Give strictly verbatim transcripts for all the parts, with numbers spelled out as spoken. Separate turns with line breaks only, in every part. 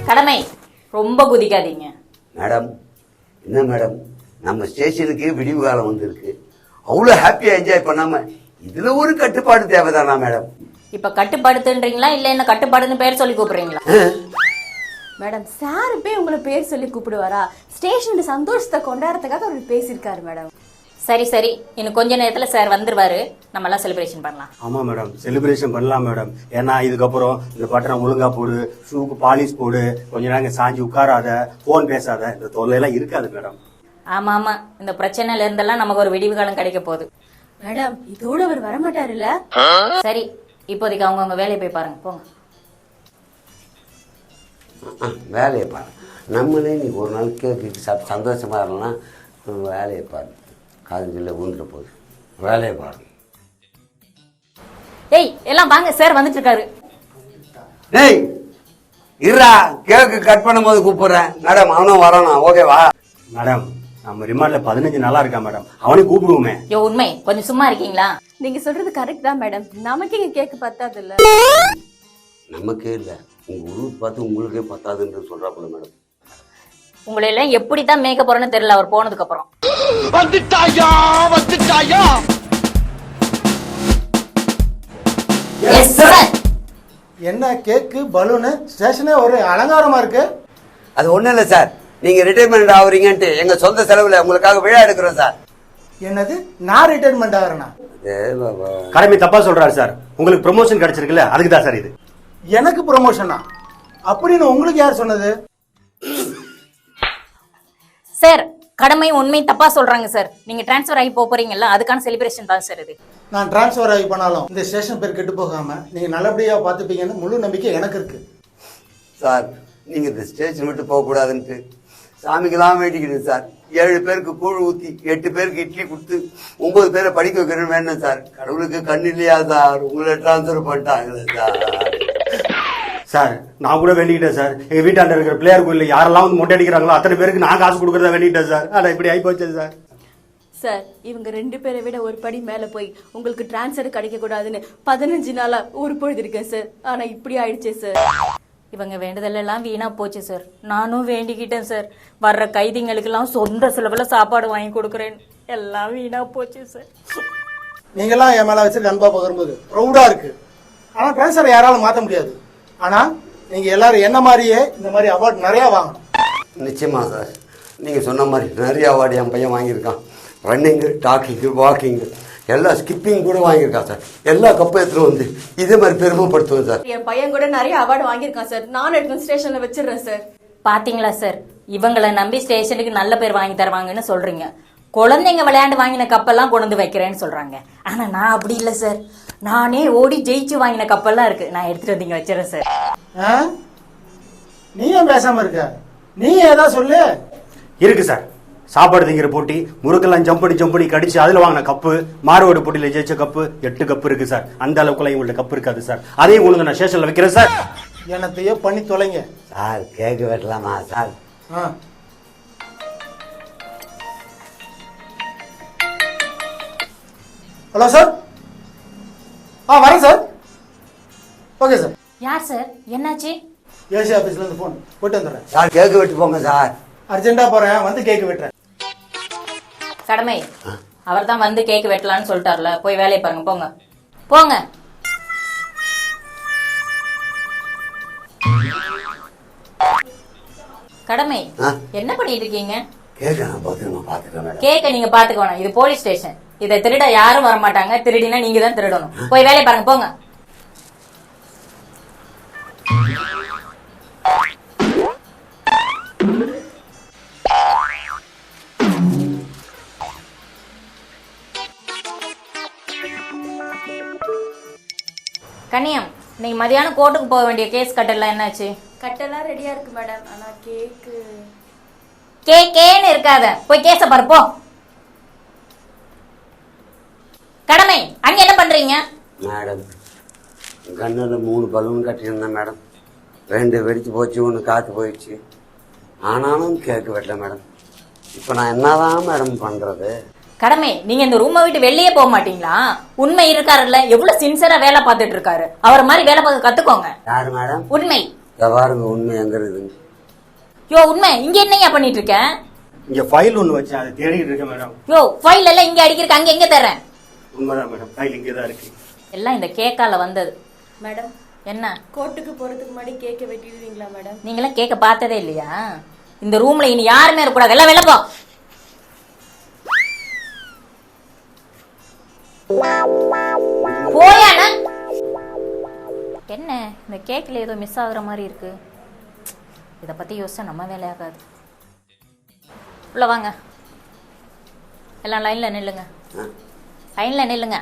கடமை ரொம்ப குதிக்காதீங்க
மேடம். என்ன மேடம், நம்ம ஸ்டேஷனுக்கு விடிவு காலம் வந்திருக்கு, அவ்வளோ ஹாப்பியா என்ஜாய் பண்ணாம இதுல ஒரு கட்டுப்பாடு தேவைதானா மேடம்?
இப்ப கட்டுப்படுத்துன்றீங்களா இல்ல என்ன கட்டுப்பாடுன்னு பேர் சொல்லி கூப்பிடுறீங்களா?
மேடம் சார் போய் உங்களை பேர் சொல்லி கூப்பிடுவாரா? ஸ்டேஷன் சந்தோஷத்தை கொண்டாடுறதுக்காக அவர் பேசியிருக்காரு மேடம்.
சரி சரி, இன்னும் கொஞ்ச நேரத்துல சார் வந்துருவாரு, நம்ம எல்லாம் செலிப்ரேஷன் பண்ணலாம்.
ஆமா மேடம், செலிப்ரேஷன் பண்ணலாம் மேடம். ஏன்னா இதுக்கப்புறம் இந்த பட்டணம் ஒழுங்கா போடு, ஷூக்கு பாலிஷ் போடு, கொஞ்ச நேரம் சாஞ்சி உட்காராத, போன் பேசாத, இந்த தொல்லையெல்லாம் இருக்காது மேடம்.
ஆமா ஆமா, இந்த பிரச்சனையில இருந்தெல்லாம் நமக்கு ஒரு விடிவு காலம் கிடைக்க போகுது.
மேடம் இதோட அவர் வரமாட்டாருல்ல?
சரி, இப்போதைக்கு அவங்க அவங்க வேலையை போய் பாருங்க, போங்க.
வேலையை பாரு, நம்மளே நீ ஒரு நாள் கேக்கு சாப்பிட்டு சந்தோஷமா இருக்கலாம். வேலையை பாரு, காதுல ஊந்துட போகுது. வேலையை பாரு.
ஏய் எல்லாம் வாங்க, சார் வந்துட்டு இருக்காரு.
ஏய் இருடா, கேக்கு கட் பண்ணும் போது கூப்பிடுறேன் மேடம். அவனும் வரணும், ஓகேவா?
மேடம் நம்ம ரிமாண்ட்ல பதினஞ்சு நாளா இருக்கா மேடம், அவனே கூப்பிடுவோமே.
யோ உண்மை, கொஞ்சம் சும்மா இருக்கீங்களா?
நீங்க சொல்றது கரெக்ட் தான் மேடம். நமக்கு இங்க கேக்கு பத்தாது இல்ல?
நமக்கே இல்ல, உங்க ஊருக்கு பார்த்து உங்களுக்கே பத்தாதுன்னு சொல்றாப்புல மேடம்.
உங்களை எல்லாம் எப்படித்தான் மேய்க்க போறேன்னு தெரியல அவர் போனதுக்கு அப்புறம்.
வந்துட்டாயா வந்துட்டாயா.
என்ன கேக்கு பலூனு ஸ்டேஷனே ஒரு அலங்காரமா இருக்கு.
அது ஒண்ணும் இல்ல சார், நீங்க ரிட்டைர்மெண்ட் ஆகுறீங்கன்ட்டு எங்க சொந்த செலவுல உங்களுக்காக விழா எடுக்கிறோம் சார்.
என்னது, நான் ரிட்டைர்மெண்ட் ஆகிறேனா?
கடமை தப்பா சொல்றாரு சார். உங்களுக்கு ப்ரமோஷன் கிடைச்சிருக்குல்ல, அதுக்கு தான் சார் இது.
எனக்கு ப்ரமோஷனா? அப்படின்னு உங்களுக்கு யார் சொன்னது?
சார் கடமை உண்மை தப்பா சொல்றாங்க சார். நீங்க டிரான்ஸ்ஃபர் ஆகி போறீங்கல்ல, அதுக்கான செலிப்ரேஷன் தான் சார் இது.
நான் டிரான்ஸ்ஃபர் ஆகி பண்ணாலும் இந்த ஸ்டேஷன் பேர் கெட்டு போகாம நீங்க நல்லபடியா பாத்துப்பீங்கன்னு முழு நம்பிக்கை எனக்கு இருக்கு
சார். நீங்க இந்த ஸ்டேஷன் விட்டு போக கூடாதுன்ட்டு சாமிக்கெல்லாம் வேண்டிக்கிட்டு சார். ஏழு பேருக்கு கூழ் ஊத்தி எட்டு பேருக்கு இட்லி கொடுத்து ஒன்பது பேரை படிக்க வைக்கணும்னு வேணும் சார். கடவுளுக்கு கண் இல்லையா சார், உங்களை டிரான்ஸ்ஃபர் பண்ணிட்டாங்களே சார்.
சார் நான் கூட வேண்டிக்கிட்டேன் சார், எங்க வீட்டாண்ட இருக்கிற பிள்ளையார் கோயில்ல யாரெல்லாம் வந்து மொட்டை அடிக்கிறாங்களோ அத்தனை பேருக்கு நான் காசு கொடுக்கறதா வேண்டிக்கிட்டேன் சார். ஆனா இப்படி ஆகி போச்சு சார்.
சார் இவங்க ரெண்டு பேரை விட ஒரு படி மேல போய் உங்களுக்கு டிரான்ஸ்ஃபர் கிடைக்க கூடாதுன்னு பதினஞ்சு நாளா ஒரு பொழுது இருக்கேன் சார். ஆனா இப்படி ஆயிடுச்சே சார்.
இவங்க வேண்டுதலெல்லாம் வீணா போச்சு சார். நானும் வேண்டிக்கிட்டேன் சார், வர்ற கைதிங்களுக்கெல்லாம் சொந்த செலவுல சாப்பாடு வாங்கி கொடுக்குறேன். எல்லாம் வீணா போச்சு சார்.
நீங்கெல்லாம் என் மேல வச்சிருக்க அன்பா பகிரும்போது ப்ரௌடா இருக்கு. ஆனா டிரான்ஸ்ஃபர் யாராலும் மாத்த முடியாது. ஆனா நீங்க எல்லாரும் என்ன மாதிரியே இந்த மாதிரி அவார்டு நிறைய வாங்கணும்.
நிச்சயமா சார், நீங்க சொன்ன மாதிரி நிறைய அவார்டு என் பையன் வாங்கியிருக்கான். ரன்னிங்கு, டாக்கிங்கு, வாக்கிங்கு, எல்லா ஸ்கிப்பிங் கூட வாங்கியிருக்கான் சார். எல்லா கப்பை எடுத்துட்டு வந்து இதே மாதிரி பெருமைப்படுத்துவேன் சார்.
என் பையன் கூட நிறைய அவார்டு வாங்கியிருக்கான் சார். நானும் எடுத்து ஸ்டேஷன்ல வச்சிடுறேன் சார்.
பாத்தீங்களா சார், இவங்களை நம்பி ஸ்டேஷனுக்கு நல்ல பேர் வாங்கி தருவாங்கன்னு சொல்றீங்க. குழந்தைங்க விளையாண்டு வாங்கின கப்பெல்லாம் கொண்டு வந்து வைக்கிறேன்னு சொல்றாங்க. ஆனா நான் அப்படி இல்லை சார். நானே ஓடி ஜெயிச்சு வாங்கின கப்பெல்லாம் இருக்கு, நான் எடுத்துட்டு வந்தீங்க வச்சிடறேன் சார்.
நீ ஏன் பேசாம இருக்க? நீ ஏதா சொல்லு.
இருக்கு சார், சாப்பாடு திங்கிற போட்டி, முறுக்கெல்லாம் ஜம்படி ஜம்படி கடிச்சு அதுல வாங்கின கப்பு, மாறுவோடு போட்டியில ஜெயிச்ச கப்பு, எட்டு கப்பு இருக்கு சார். அந்த அளவுக்குலாம் உங்கள்ட்ட கப்பு இருக்காது சார். அதையும் உங்களுக்கு நான் ஸ்டேஷன்ல வைக்கிறேன் சார்.
என்னத்தையோ பண்ணி தொலைங்க
சார். கேக்கு வெட்டலாமா சார்?
Hello sir. ஆ வரேன் சார். Okay sir.
யார் சார், என்னாச்சு?
ஏசி ஆபீஸ்ல இருந்து போன் போட்டு வந்துடுறேன்
சார். கேக்கு வெட்டு போங்க சார்.
அர்ஜென்டா போறேன், வந்து கேக்கு வெட்டுறேன்.
கடமை, அவர் தான் வந்து கேக் வெட்டலான்னு சொல்லிட்டார்ல, போய் வேலையை பாருங்க, போங்க போங்க. கடமை என்ன பண்ணிட்டு இருக்கீங்க? கேக்க நீங்க பாத்துக்க வேணாம், இது போலீஸ் ஸ்டேஷன். இதை திருட யாரும் வர மாட்டாங்க. திருடினா நீங்க தான் திருடணும். போய் வேலையை பாருங்க, போங்க. கனியம், நீங்க மதியானம் கோர்ட்டுக்கு போக வேண்டிய கேஸ் கட்டெல்லாம் என்னாச்சு?
கட்டெல்லாம் ரெடியா இருக்கு மேடம். ஆனா கேக்கு
கேக்கேன்னு இருக்காத, போய் கேஸ பாரு போ. கடமை, அங்க என்ன பண்றீங்க?
மேடம் கண்ணுல மூணு பலூன் கட்டியிருந்தேன் மேடம். ரெண்டு வெடிச்சு போச்சு, ஒன்று காத்து போயிடுச்சு. ஆனாலும் கேக்கு வெட்டல மேடம். இப்போ நான் என்னதான் மேடம் பண்றது?
கடமை, நீங்க இந்த ரூமை விட்டு வெளியே போக மாட்டீங்களா? உண்மை இருக்காருல்ல, எவ்வளவு சின்சியரா வேலை பார்த்துட்டு இருக்காரு. அவர் மாதிரி வேலை பார்க்க கத்துக்கோங்க.
யாரு மேடம்?
உண்மை.
பாருங்க உண்மை எங்க இருக்குதுங்க.
யோ உண்மை இங்க என்னையா பண்ணிட்டு இருக்க?
இங்க ஃபைல் ஒன்று வச்சேன், அதை தேடிட்டு இருக்கேன் மேடம்.
யோ ஃபைல் எல்லாம் இங்க அடிக்கிறக்கு அங்க எங்க தர்றேன்?
உண்மைதான் மேடம், ஃபைல் இங்கே தான் இருக்கு.
எல்லாம் இந்த கேக்கால வந்தது.
மேடம்,
என்ன
கோர்ட்டுக்கு போறதுக்கு முன்னாடி கேக்க வெட்டிடுவீங்களா மேடம்?
நீங்களாம் கேக்க பார்த்ததே இல்லையா? இந்த ரூம்ல இனி யாருமே இருக்கக்கூடாது, எல்லாம் வெளில போ. போயாண்ணா. என்ன இந்த கேக்ல ஏதோ மிஸ் ஆகுற மாதிரி இருக்கு. இத பத்தி யோசிச்சா நம்ம வேலையாகாது. உள்ள வாங்க, எல்லாம் லைன்ல நில்லுங்க, லைன்ல நில்லுங்க.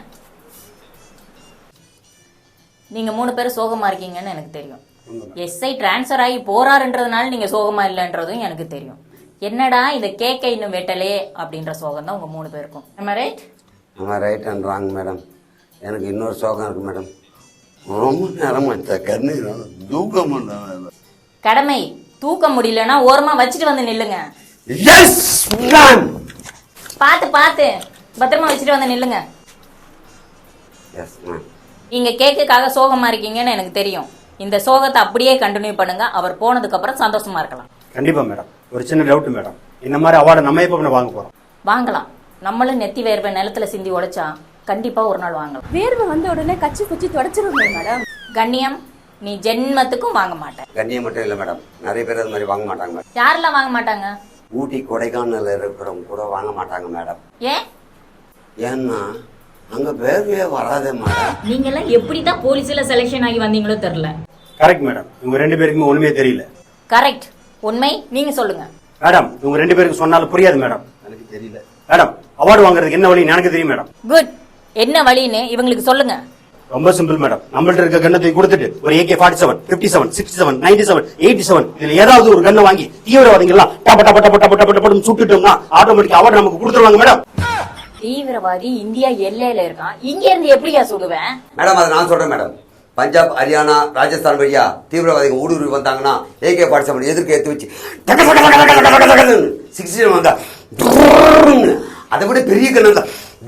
நீங்க மூணு பேரும் சோகமா இருக்கீங்கன்னு எனக்கு தெரியும். எஸ்ஐ டிரான்ஸ்ஃபர் ஆகி போறாருன்றதுனால நீங்க சோகமா இல்லைன்றதும் எனக்கு தெரியும். என்னடா இந்த கேக்கை இன்னும் வெட்டலே அப்படின்ற சோகம் தான் உங்க மூணு பேருக்கும். நம்ம ரைட்
ஆமாம், ரைட் அண்ட் ராங் மேடம். எனக்கு இன்னொரு சோகம் இருக்கு மேடம். ரொம்ப நேரம் கண்ணு தூக்கம் பண்ண
கடமை தூக்க முடியலன்னா ஓரமா வச்சுட்டு வந்து நில்லுங்க.
Yes ma'am.
பாத்து பாத்து பத்திரமா வச்சுட்டு வந்து நில்லுங்க.
Yes ma'am.
நீங்க கேக்குக்காக சோகமா இருக்கீங்கன்னு எனக்கு தெரியும். இந்த சோகத்தை அப்படியே கண்டினியூ பண்ணுங்க. அவர் போனதுக்கு அப்புறம் சந்தோஷமா இருக்கலாம்.
கண்டிப்பா மேடம். ஒரு சின்ன டவுட் மேடம், இந்த மாதிரி அவார்டை நம்ம எப்போ வாங்க போறோம்?
வாங்கலாம். நம்மளும் நெத்தி வேர்வை நிலத்துல சிந்தி உடைச்சா கண்டிப்பா ஒரு நாள் வாங்கலாம்.
வேர்வை வந்த உடனே கச்சி குச்சி தொடச்சிருங்க மேடம்.
கண்ணியம் நீ ஜென்மத்துக்கும் வாங்க மாட்டேன்.
கண்ணியம் மட்டும் இல்லை மேடம், நிறைய பேர் அது மாதிரி வாங்க மாட்டாங்க மேடம்.
யாரெல்லாம் வாங்க மாட்டாங்க?
ஊட்டி கொடைக்கானல் இருக்கிறவங்க கூட வாங்க மாட்டாங்க மேடம்.
ஏன்?
ஏன்னா அங்க வேர்வையே வராதே மேடம்.
நீங்க எல்லாம் எப்படிதான் போலீஸ்ல செலக்ஷன் ஆகி வந்தீங்களோ தெரியல.
கரெக்ட் மேடம், இவங்க ரெண்டு பேருக்குமே ஒண்ணுமே தெரியல.
கரெக்ட், உண்மை நீங்க சொல்லுங்க.
மேடம், இவங்க ரெண்டு பேருக்கு சொன்னாலும் புரியாது மேடம். எனக்கு தெரியல மேடம். அவார்டு வாங்குறதுக்கு என்ன வழி எனக்கு தெரியும் மேடம்.
குட், என்ன வழின்னு இவங்களுக்கு சொல்லுங்க.
ரொம்ப சிம்பிள் மேடம். நம்மள்ட்ட இருக்க கண்ணத்தை கொடுத்துட்டு ஒரு AK forty seven fifty seven sixty seven ninety seven eighty seven இதுல ஏதாவது ஒரு கண்ணை வாங்கி தீவிரவாதிகள்லாம் டப்ப டப்ப டப்ப டப்ப டப்ப டப்ப சுட்டுட்டோம்னா ஆட்டோமேட்டிக் அவார்டு நமக்கு கொடுத்துருவாங்க மேடம்.
தீவிரவாதி இந்தியா எல்லையில இருக்கான், இங்க இருந்து எப்படியா சொல்லுவேன்?
மேடம் அதை நான் சொல்றேன் மேடம். பஞ்சாப், ஹரியானா, ராஜஸ்தான் வழியா தீவிரவாதிகள் ஊடுருவி வந்தாங்கன்னா ஏகே ஃபார்ட்டி செவன் எதிர்க்க ஏற்றி வச்சு சிக்ஸ்டி செவன் வந்தா அதை விட பெரிய கண்ணு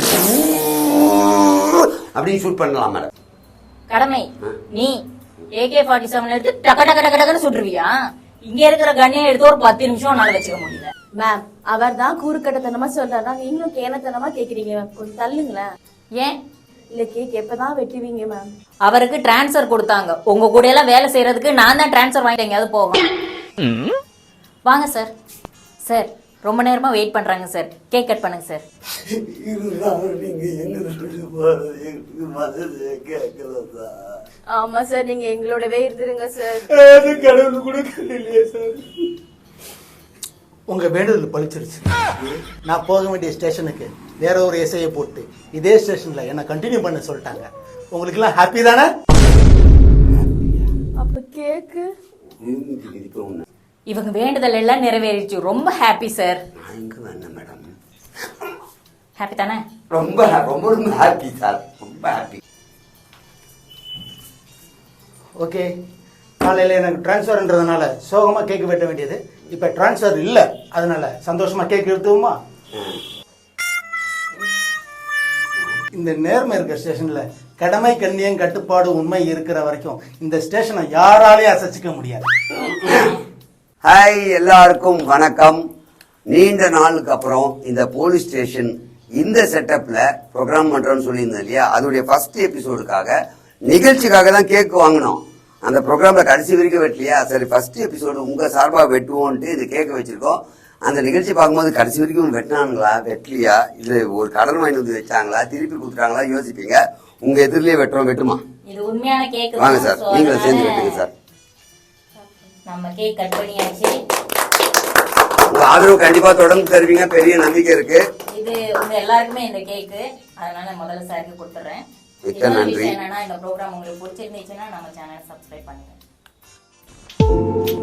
அப்படின்னு ஷூட் பண்ணலாம் மேடம்.
கடமை நீ ஏகே ஃபார்ட்டி செவன் எடுத்து டக்க டக்க டக்க டக்குன்னு சுட்டுருவியா? இங்க இருக்கிற கண்ணியை எடுத்து ஒரு பத்து நிமிஷம் உன்னால வச்சுக்க முடியல.
மேம், அவர் தான் கூறுக்கட்டத்தனமா சொல்றாரா, நீங்களும் கேனத்தனமா கேக்குறீங்க. கொஞ்சம் தள்ளுங்களேன்.
ஏன்?
இல்ல கேக் எப்பதான் வெட்டுவீங்க மேம்?
அவருக்கு டிரான்ஸ்ஃபர் கொடுத்தாங்க, உங்க கூட எல்லாம் வேலை செய்யறதுக்கு நான் தான் டிரான்ஸ்ஃபர் வாங்கிட்டு எங்கேயாவது போகும். வாங்க சார். சார் ரொம்ப நேரமா வெயிட் பண்றாங்க சார், கேக் கட் பண்ணுங்க சார்.
ஆமா சார், நீங்க எங்களோடவே இருந்துருங்க சார்.
கடவுள் கூட இல்லையே சார். உங்க வேண்டுதல் பழிச்சிருச்சு. நான் போக வேண்டிய ஸ்டேஷனுக்கு வேற ஒரு எஸ்ஐயை போட்டு இதே ஸ்டேஷன்ல என்ன கண்டினியூ பண்ண சொல்லிட்டாங்க. உங்களுக்கு எல்லாம் ஹாப்பி தானே?
அப்ப கேக்கு
இவங்க வேண்டுதல் எல்லாம் நிறைவேறிச்சு. ரொம்ப ஹாப்பி சார்.
மேடம்
ஹாப்பி தானே?
ரொம்ப ரொம்ப ரொம்ப ஹாப்பி சார், ரொம்ப ஹாப்பி.
ஓகே, காலையில எனக்கு டிரான்ஸ்ஃபர்ன்றதுனால சோகமா கேக் வெட்ட வேண்டியது. இப்ப டிரான்ஸ்ஃபர் இல்ல, அதனால சந்தோஷமா கேக் எடுத்துவோமா? இந்த நேர்மை இருக்க ஸ்டேஷன்ல கடமை கண்ணியம் கட்டுப்பாடு உண்மை இருக்கிற வரைக்கும் இந்த ஸ்டேஷனை யாராலையும் அசைச்சிக்க முடியாது.
ஹாய், எல்லாருக்கும் வணக்கம். நீண்ட நாளுக்கு அப்புறம் இந்த போலீஸ் ஸ்டேஷன் இந்த செட்டப்ல ப்ரோக்ராம் பண்றோம்னு சொல்லியிருந்தேன் இல்லையா, அதோடைய ஃபர்ஸ்ட் எபிசோடுக்காக நிகழ்ச்சிக்காக தான் கேக் வாங்கினோம். அந்த ப்ரோக்ராம்ல கடைசி வரைக்கும் வெட்டலையா, சரி ஃபர்ஸ்ட் எபிசோடு உங்க சார்பா வெட்டுவோன்ட்டு இது கேட்க வச்சிருக்கோம். அந்த நிகழ்ச்சி பார்க்கும்போது கடைசி வரைக்கும் வெட்டினாங்களா வெட்டலையா, இல்ல ஒரு கடன் வாங்கி வந்து வச்சாங்களா திருப்பி கொடுத்துட்டாங்களா யோசிப்பீங்க. உங்க எதிரிலேயே வெட்டுறோம், வெட்டுமா?
இது உண்மையான கேக்.
வாங்க சார், நீங்களும் சேர்ந்து வெட்டுங்க சார்.
நம்ம கேக் கட் பண்ணியாச்சு.
உங்க ஆதரவு கண்டிப்பா தொடர்ந்து தருவீங்க, பெரிய நம்பிக்கை இருக்கு.
இது உங்க எல்லாருக்குமே இந்த கேக்கு, அதனால முதல்ல சாருக்கு கொடுத்துறேன்.
மிக்க நன்றி.
என்னன்னா இந்த ப்ரோக்ராம் உங்களுக்கு பிடிச்சிருந்துச்சுன்னா நம்ம சேனலை சப்ஸ்கிரைப் பண்ணுங்க.